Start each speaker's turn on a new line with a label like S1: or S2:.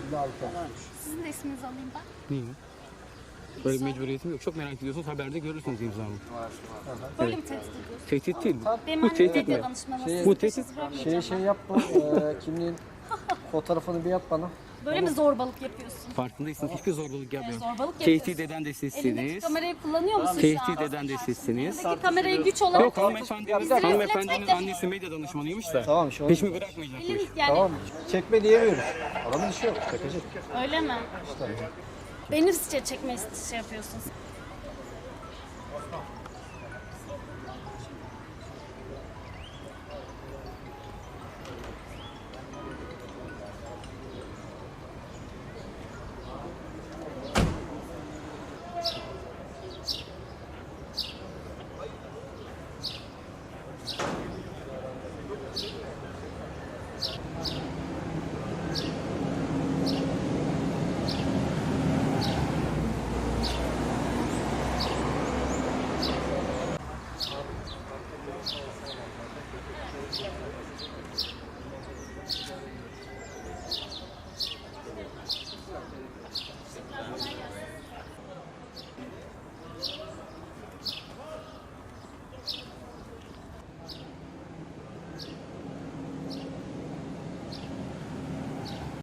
S1: 56.
S2: Sizin de isminizi alayım ben.
S3: Niye? Böyle bir mecburiyetim yok. Çok merak ediyorsunuz. Haberde görürsünüz imzamı.
S2: Böyle mi tehdit ediyorsun?
S3: Tehdit değil.
S2: Benim
S3: Bu
S2: annem
S3: tehdit
S2: medya
S3: mi?
S2: danışmanı.
S3: Bu tehdit.
S1: Şey yap bu kimliğin fotoğrafını bir yap bana.
S2: Böyle mi zorbalık yapıyorsun?
S3: Farkındaysanız hiçbir zorbalık yapmıyorum.
S2: Zorbalık
S3: Tehdit
S2: yapıyorsun.
S3: eden de
S2: Elindeki
S3: sizsiniz.
S2: kamerayı kullanıyor musun şu
S3: Tehdit
S2: an?
S3: eden de sizsiniz.
S2: Elindeki kamerayı güç olarak...
S3: Yok hanımefendinin annesi medya danışmanıymış da.
S1: Tamam şu an.
S3: Hiç mi bırakmayacakmış?
S2: Elin, yani
S1: Tamam. Çekme diyemiyoruz. Adamın işi yok. Çekecek.
S2: öyle mi? Beni çekme şey yapıyorsun.